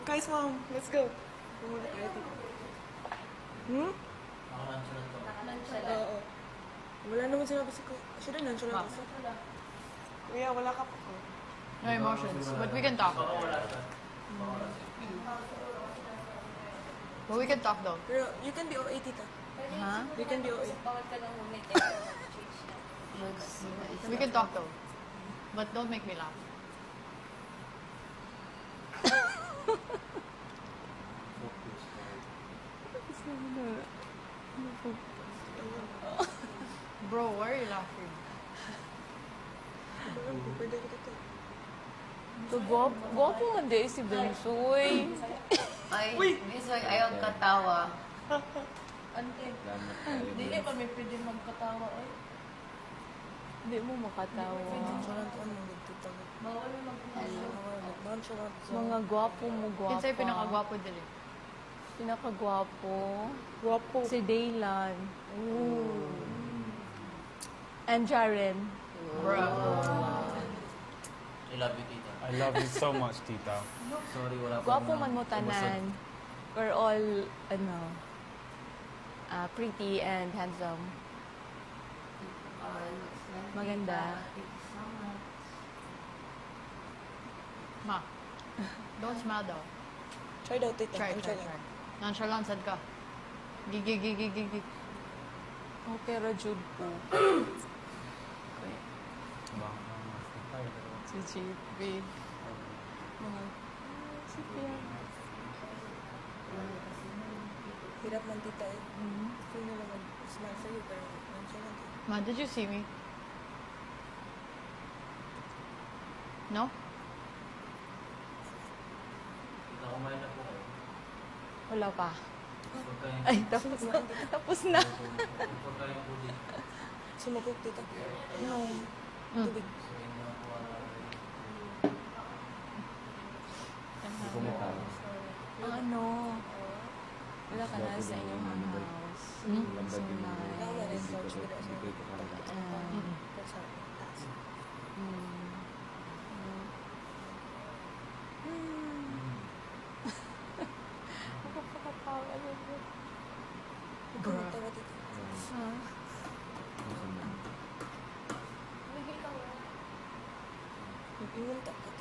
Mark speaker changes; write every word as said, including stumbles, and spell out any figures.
Speaker 1: Guys, mom, let's go. Pumunta tayo dito. Hmm? Oo. Wala naman sinabi si ko. Siya rin, nandiyan lang kasi. Kuya, wala ka pa ko.
Speaker 2: No emotions, but we can talk. But we can talk though.
Speaker 1: Pero you can be O A, tita.
Speaker 2: Huh?
Speaker 1: You can be O A.
Speaker 3: Bawal ka lang humit.
Speaker 2: We can talk though. But don't make me laugh. Bro, why are you laughing?
Speaker 1: Pwede ko dito.
Speaker 3: Gwapo, gwapo man di si Bensoy.
Speaker 4: Ay, Bisoy, ayaw katawa.
Speaker 3: Ante, di eh kami pwede magkatawa ay. Hindi mo makatawa.
Speaker 1: Sarang ko ano, nagtita ko.
Speaker 3: Bawal mo mag-ulo.
Speaker 1: Bawal siya lang.
Speaker 3: Mga gwapo mo gwapa.
Speaker 2: Kinsa'y pinakagwapo dili.
Speaker 3: Pinakagwapo.
Speaker 1: Guwapo.
Speaker 3: Si Daylan. Ooh. And Jaren.
Speaker 2: Bro.
Speaker 5: I love you, tita.
Speaker 6: I love you so much, tita.
Speaker 5: Sorry, wala pa
Speaker 3: Gwapo
Speaker 5: akong
Speaker 3: man mo tanan. We're all, ano, ah, pretty and handsome. Maganda.
Speaker 2: Ma, don't smile though.
Speaker 1: Try daw, tita.
Speaker 2: Try, try, try. Nonchalant sad ka. Gigi, gigi, gigi.
Speaker 3: Okay, Rajud po. Si Chippy. Mga, si Pia.
Speaker 1: Hirap man, tita eh. Kung na lang mag-smile sa'yo, pero nandiyan lang.
Speaker 2: Ma, did you see me? No?
Speaker 5: Tita, kumain na po kayo.
Speaker 3: Wala pa.
Speaker 5: Huwag kayong...
Speaker 3: Ay, tapos na. Tapos na.
Speaker 5: Huwag kayong huli.
Speaker 1: Sumabog, tita. No.
Speaker 2: Mm.
Speaker 1: Tubig.
Speaker 5: So, yun na po ang...
Speaker 3: Ang ano, wala ka na sa inyong house.
Speaker 2: Hmm?
Speaker 3: So nice.
Speaker 1: Wala na rin couch. Wala siya.
Speaker 3: Ah,
Speaker 1: Pero sa taas.
Speaker 3: mm. Nakapakatawa na po.
Speaker 1: Huwag ka magtawa, tita.
Speaker 3: Ah.
Speaker 1: Mag-imunta ka.